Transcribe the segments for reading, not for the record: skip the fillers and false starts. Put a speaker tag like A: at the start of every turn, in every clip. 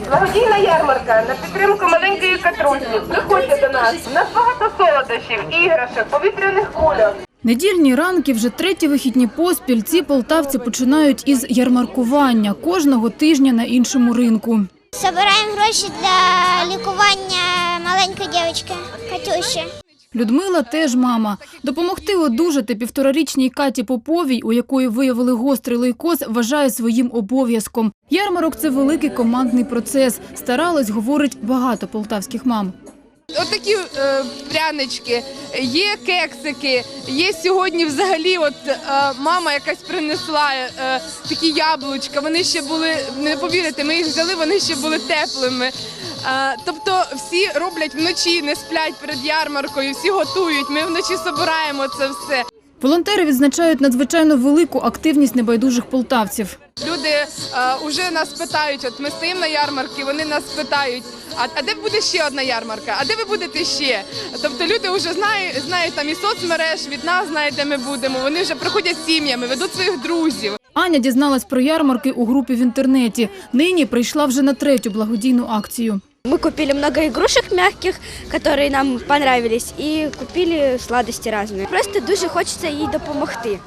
A: Благодійна ярмарка на підтримку маленької Катрусі. Приходьте до нас. У нас багато солодощів, іграшок, повітряних кульок.
B: Недільні ранки, вже третій вихідні поспіль, ці полтавці починають із ярмаркування кожного тижня на іншому ринку.
C: Збираємо гроші для лікування маленької дівчинки Катюші.
B: Людмила теж мама. Допомогти одужати 1,5-річній Каті Поповій, у якої виявили гострий лейкоз, вважає своїм обов'язком. Ярмарок – це великий командний процес. Старалось, говорить, багато полтавських мам.
D: Отакі прянички, є кексики, є сьогодні взагалі, мама якась принесла такі яблучка, вони ще були, не повірите, ми їх взяли, вони ще були теплими. Тобто всі роблять вночі, не сплять перед ярмаркою, всі готують, ми вночі збираємо це все.
B: Волонтери відзначають надзвичайно велику активність небайдужих полтавців.
D: Люди вже нас питають, ми стоїмо на ярмарці, вони нас питають, а де буде ще одна ярмарка, а де ви будете ще? Тобто люди вже знають там і соцмереж, від нас знають, де ми будемо, вони вже приходять сім'ями, ведуть своїх друзів.
B: Аня дізналась про ярмарки у групі в інтернеті. Нині прийшла вже на 3-ю благодійну акцію.
E: Мы купили много игрушек мягких, которые нам понравились, и купили сладости разные. Просто дуже хочеться їй допомогти.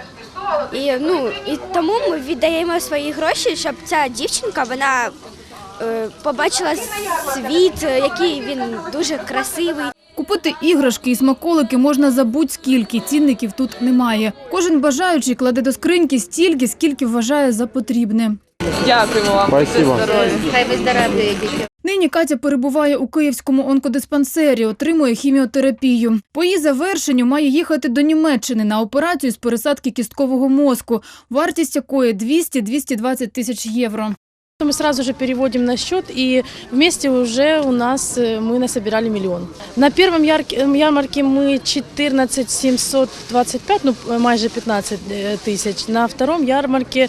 E: І тому ми віддаємо свої гроші, щоб ця дівчинка, вона побачила світ, який він дуже красивий.
B: Купити іграшки і смаколики можна за будь-скільки, цінників тут немає. Кожен бажаючий кладе до скриньки стільки, скільки вважає за потрібне.
D: Дякуємо вам.
F: Спасибо.
C: Хай виздоровлюєте.
B: Нині Катя перебуває у Київському онкодиспансері, отримує хіміотерапію. По її завершенню має їхати до Німеччини на операцію з пересадки кісткового мозку, вартість якої 200-220 тисяч євро.
G: Мы сразу же переводим на счет, и вместе уже мы насобирали 1 миллион. На первом ярмарке мы 14 725, майже 15 тысяч. На втором ярмарке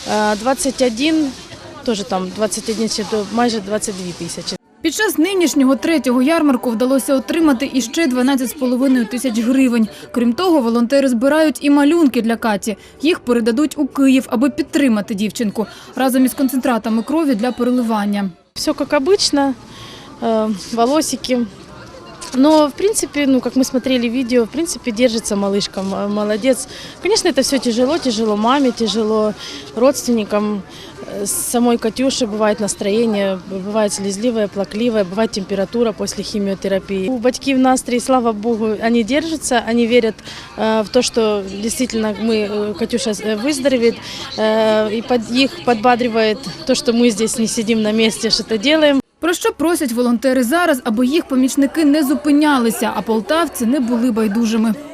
G: 21, тоже там 21, майже 22 тисячі.
B: Під час нинішнього 3-го ярмарку вдалося отримати іще 12,5 тисяч гривень. Крім того, волонтери збирають і малюнки для Каті. Їх передадуть у Київ, аби підтримати дівчинку, разом із концентратами крові для переливання.
G: Все как обычно, волосики. Но, в принципе, как мы смотрели видео, в принципе, держится малышка, молодец. Конечно, это все тяжело маме, тяжело родственникам. С самой Катюши бывает настроение, бывает слезливое, плакливое, бывает температура после химиотерапии. У батьків настрой, слава Богу, они держатся, они верят в то, что действительно Катюша выздоровеет. И их подбадривает то, что мы здесь не сидим на месте, что-то делаем.
B: Про що просять волонтери зараз, аби їх помічники не зупинялися, а полтавці не були байдужими.